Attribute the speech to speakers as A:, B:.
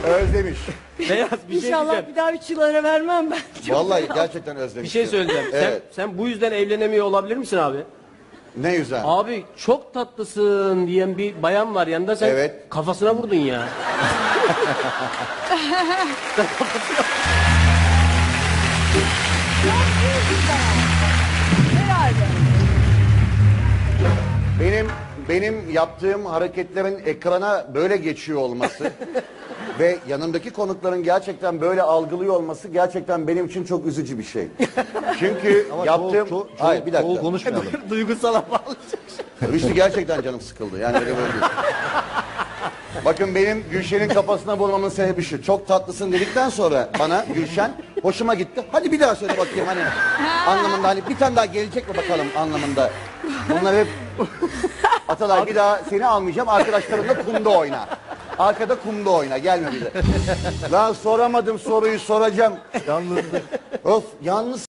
A: Özlemiş.
B: Beyaz bir şey
C: İnşallah
B: diyeceğim.
C: bir daha 3 yıl ara vermem ben. Çok
A: Vallahi gerçekten özlemiş.
B: Bir şey söyleyeceğim.
A: Evet.
B: Sen bu yüzden evlenemiyor olabilir misin abi?
A: Ne yüzden?
B: Abi çok tatlısın diyen bir bayan var yanında, sen
A: Evet.
B: kafasına vurdun ya.
C: herhalde.
A: Benim yaptığım hareketlerin ekrana böyle geçiyor olması ve yanımdaki konukların gerçekten böyle algılıyor olması gerçekten benim için çok üzücü bir şey. Çünkü yaptığım... Hayır bir dakika.
D: konuşmayalım.
B: Duygusala bağlayacak.
A: Rüştü gerçekten canım sıkıldı. Yani öyle böyle değil. Bakın benim Gülşen'in kafasına vurmamın sebebi şu. Çok tatlısın dedikten sonra bana Gülşen hoşuma gitti. Hadi bir daha söyle bakayım hani anlamında, hani bir tane daha gelecek mi bakalım anlamında. Bunlar hep Atalay bir daha seni almayacağım, arkadaşlarınla kumda oyna. Arkada kumda oyna, gelme bize. Lan soramadım soruyu, soracağım.
D: Yalnızlık.
A: Of, yalnız